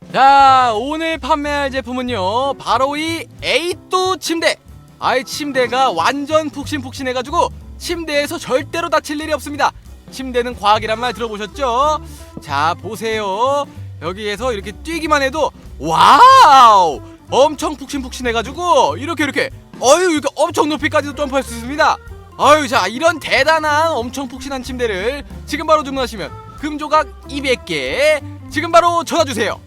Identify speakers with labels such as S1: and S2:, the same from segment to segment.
S1: 자, 오늘 판매할 제품은요 바로 이 에이또 침대. 아이, 침대가 완전 푹신푹신해가지고 침대에서 절대로 다칠 일이 없습니다. 침대는 과학이란 말 들어보셨죠? 자, 보세요. 여기에서 이렇게 뛰기만 해도 와우, 엄청 푹신푹신해가지고 이렇게 이렇게 엄청 높이까지도 점프할 수 있습니다. 자, 이런 대단한 엄청 푹신한 침대를 지금 바로 주문하시면 금조각 200개 지금 바로 전화주세요.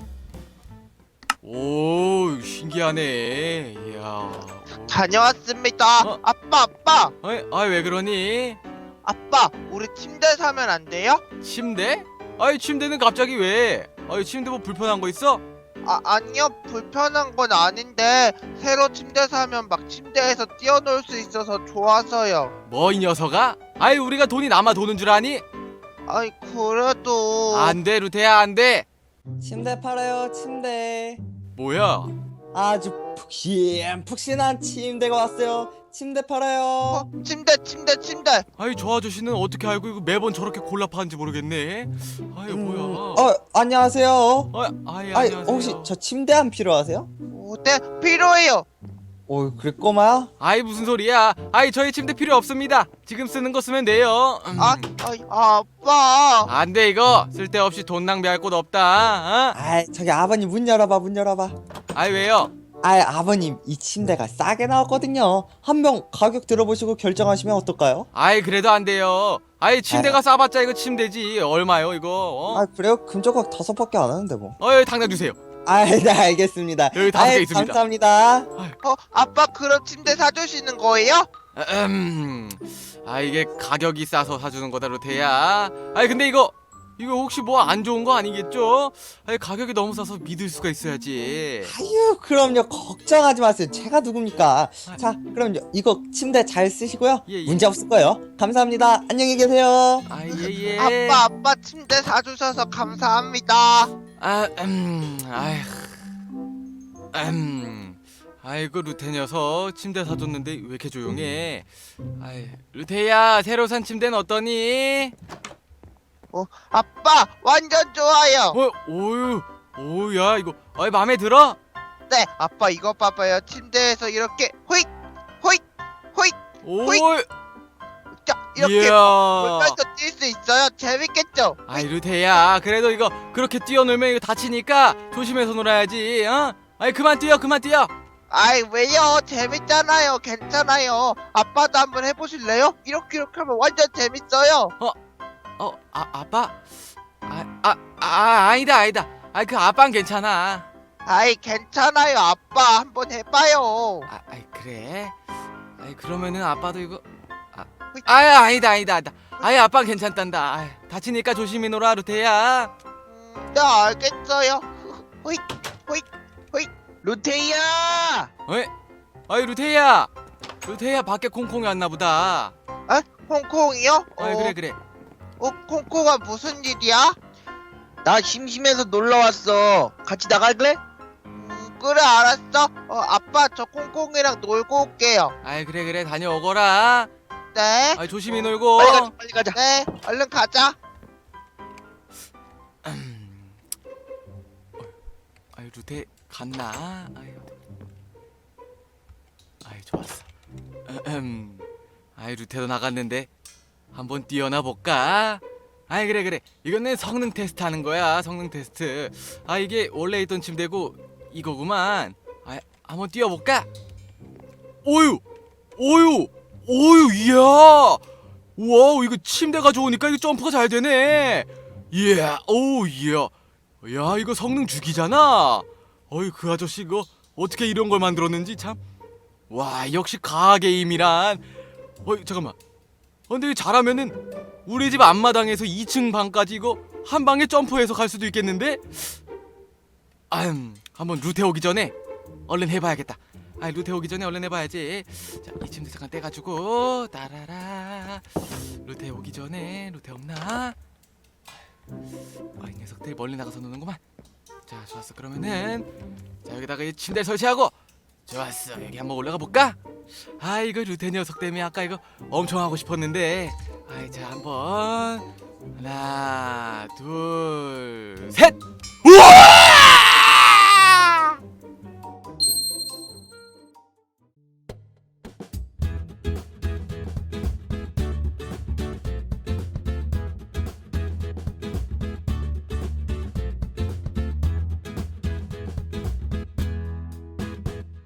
S1: 오, 신기하네. 이야.
S2: 다녀왔습니다.
S1: 어?
S2: 아빠.
S1: 왜 그러니?
S2: 아빠, 우리 침대 사면 안 돼요?
S1: 침대? 침대는 갑자기 왜? 침대 뭐 불편한 거 있어?
S2: 아니요. 불편한 건 아닌데 새로 침대 사면 막 침대에서 뛰어놀 수 있어서 좋아서요.
S1: 뭐 이 녀석아? 우리가 돈이 남아 도는 줄 아니?
S2: 아이, 그래도
S1: 안 돼, 루테야, 안 돼.
S3: 침대 팔아요, 침대.
S1: 뭐야?
S3: 아주 푹신푹신한 침대가 왔어요. 침대 팔아요.
S2: 침대.
S1: 저 아저씨는 어떻게 알고 이거 매번 저렇게 골라 파는지 모르겠네. 뭐야?
S3: 안녕하세요.
S1: 안녕하세요.
S3: 혹시 저 침대 안 필요하세요?
S2: 네, 필요해요.
S3: 그래 꼬마야?
S1: 무슨 소리야? 저희 침대 필요 없습니다. 지금 쓰는 거 쓰면 돼요.
S2: 아빠.
S1: 안 돼, 이거 쓸데없이 돈 낭비할 곳 없다.
S3: 저기 아버님 문 열어봐.
S1: 왜요?
S3: 아버님 이 침대가 싸게 나왔거든요. 한 명 가격 들어보시고 결정하시면 어떨까요?
S1: 그래도 안 돼요. 침대가 싸봤자 이거 침대지 얼마요 이거?
S3: 그래요? 금조각 5밖에 안 하는데 뭐.
S1: 여기 당장 주세요.
S3: 네, 알겠습니다.
S1: 여기 5개 있습니다.
S3: 감사합니다.
S2: 아빠, 그럼 침대 사주시는 거예요?
S1: 이게 가격이 싸서 사주는 거다, 루테야. 근데 이거 혹시 뭐 안 좋은 거 아니겠죠? 가격이 너무 싸서 믿을 수가 있어야지.
S3: 그럼요. 걱정하지 마세요. 제가 누굽니까? 자, 그럼요. 이거 침대 잘 쓰시고요.
S1: 예.
S3: 문제 없을 거예요. 감사합니다. 안녕히 계세요.
S1: 예.
S2: 아빠, 침대 사주셔서 감사합니다.
S1: 아이고, 루테 녀석 침대 사줬는데 왜 이렇게 조용해? 루테야, 새로 산 침대는 어떠니?
S2: 아빠, 완전 좋아요.
S1: 야, 이거 마음에 들어?
S2: 네, 아빠 이거 봐봐요. 침대에서 이렇게 호잇. 자, 이렇게
S1: 이야.
S2: 물가에서 뛸 수 있어요. 재밌겠죠?
S1: 루테야, 그래도 이거 그렇게 뛰어놀면 이거 다치니까 조심해서 놀아야지. 그만 뛰어.
S2: 왜요? 재밌잖아요. 괜찮아요. 아빠도 한번 해보실래요? 이렇게 하면 완전 재밌어요.
S1: 아빠? 아니다. 그 아빠는 괜찮아.
S2: 괜찮아요. 아빠 한번 해봐요.
S1: 그래? 그러면은 아빠도 이거 아니다. 아빠는 괜찮단다. 다치니까 조심히 놀아, 루테야.
S2: 네, 알겠어요. 호잇. 루테이야!
S1: 루테야 밖에 콩콩이 왔나 보다.
S2: 홍콩이요?
S1: 그래.
S2: 콩콩아, 무슨 일이야? 나 심심해서 놀러 왔어. 같이 나갈래? 그래, 알았어. 아빠, 저 콩콩이랑 놀고 올게요.
S1: 그래, 다녀오거라.
S2: 네.
S1: 조심히 놀고.
S2: 빨리 가자. 네, 얼른 가자.
S1: 루테 갔나? 좋았어. 루테도 나갔는데 한번 뛰어나 볼까? 그래. 이거는 성능 테스트 하는 거야. 성능 테스트. 이게 원래 있던 침대고 이거구만. 한번 뛰어볼까? 오유, 이야. 와우, 이거 침대가 좋으니까 이거 점프가 잘 되네. 이야. 야, 이거 성능 죽이잖아. 그 아저씨 이거 어떻게 이런 걸 만들었는지 참. 와, 역시 과학의 힘이란. 잠깐만. 근데 잘하면은 우리 집 앞마당에서 2층 방까지 이거 한 방에 점프해서 갈 수도 있겠는데? 한번 루테 오기 전에 얼른 해봐야겠다. 루테 오기 전에 얼른 해봐야지. 자, 이 침대 잠깐 떼가지고 따라라. 루테 오기 전에 루테 없나? 이 녀석들 멀리 나가서 노는구만. 자, 좋았어. 그러면은 자, 여기다가 이 침대 설치하고. 좋았어. 여기 한번 올라가 볼까? 이거 루테 녀석 때문에 아까 이거 엄청 하고 싶었는데. 자, 한번 하나, 둘, 셋. 우와!